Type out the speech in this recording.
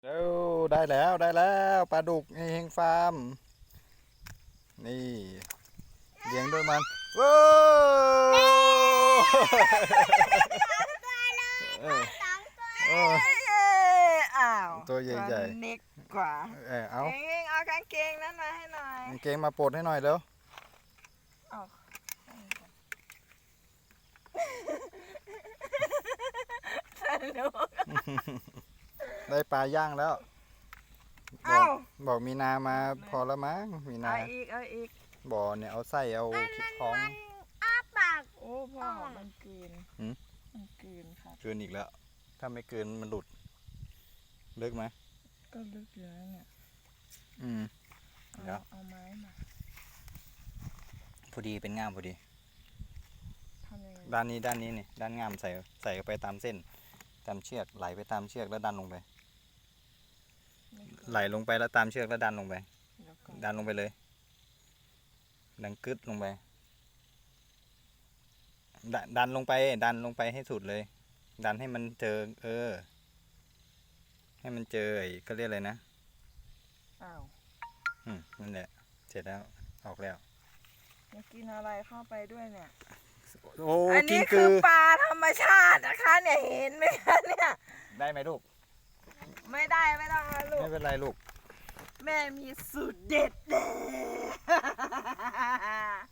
แล้วได้แล้วได้แล้วปลาดุกเฮงฟาร์มนี่เลี้ยงด้วยมันว้าวเออเอออ้าวตัวใหญ่ๆตัวเล็กกว่าเอาเองเอากางเกงนั้นมาให้หน่อยกางเกงมาปลดให้หน่อยเร็วเอาสนุกได้ปลาย่างแล้วบอเอ้ากบอกมีนามาพอแล้วมั้งมีนาเอาอีกบ่อเนี่ยเอาไส้เอาท้องอ้าปากโอ้พ่อมันกลืนหืมมันกลืนครับเกินอีกแล้ว ถ้าไม่เกินมันหลุดลึกไหมก็ลึกอยู่แล้วเนี่ยอืม เดี๋ยวเอาไม้มาพอดีเป็นง่ามพอดีทำยังไงด้านนี้นี่ด้านง่ามใส่ไปตามเส้น ตามเชือกไหลไปตามเชือกแล้วดันลงไป ไหลลงไปแล้วตามเชือกแล้วดันลงไปเดี๋ยวก่อนดันลงไปเลย ดันกึดลงไป ดันลงไปให้สุดเลย ดันให้มันเจอ ให้มันเจอไอ้ก็เรียกอะไรนะอ้าวนั่นแหละ เสร็จแล้ว ออกแล้วมันกินอะไรเข้าไปด้วยเนี่ยโอ้อันกินี้นคืคือ อปลาธรรมชาตินะคะเนี่ยเห็นไหมคะเนี่ยได้ไหมลูกไม่ได้ไม่ต้องนะลูกไม่เป็นไรลูกแม่มีสูตรเด็ด